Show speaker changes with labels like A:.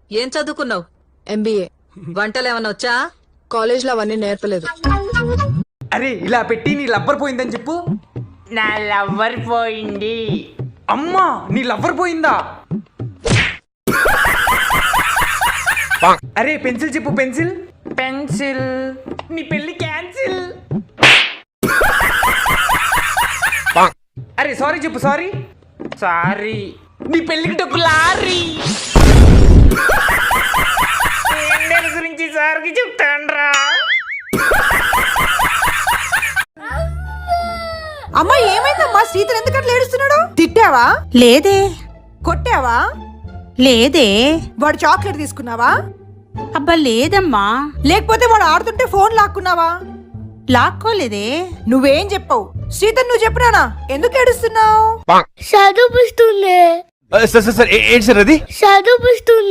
A: ఏం చదువుకున్నావు?
B: MBA.
A: వంటలు ఏమన్నా వచ్చా?
B: కాలేజ్లో అవన్నీ నేర్పలేదు.
C: అరే ఇలా పెట్టి నీ లవ్వర్ పోయిందని చెప్పు.
D: నా లవ్వర్ పోయింది.
C: అమ్మా నీ లవ్వర్ పోయిందా? అరే పెన్సిల్ చెప్పు. పెన్సిల్.
D: పెన్సిల్.
C: నీ పెళ్లి క్యాన్సిల్. అరే సారీ చెప్పు. సారీ.
D: సారీ.
C: నీ పెళ్లికి డబ్బు లారీ.
D: ఎండల గురించి సార్కి చెప్తాన్రా.
E: అమ్మా ఏమైందమ్మా? శ్రీధర్ ఎందుకు అట్లా ఏడుస్తున్నాడు? తిట్టావా?
F: లేదే.
E: కొట్టావా?
F: లేదే.
E: వాడు చాక్లెట్ తీసుకున్నావా?
F: అబ్బా లేదమ్మా.
E: లేకపోతే వాడు ఆడుతుంటే ఫోన్ లాక్కున్నావా?
F: లాక్కోలేదే.
E: నువ్వేం చెప్పావు? శ్రీధర్ నువ్వు చెప్పురానా? ఎందుకు ఏడుస్తున్నావు?
G: చదువుపిస్తుంది.
H: సార్ ఏంటి సార్ అది?
G: చదువుపిస్తుంది.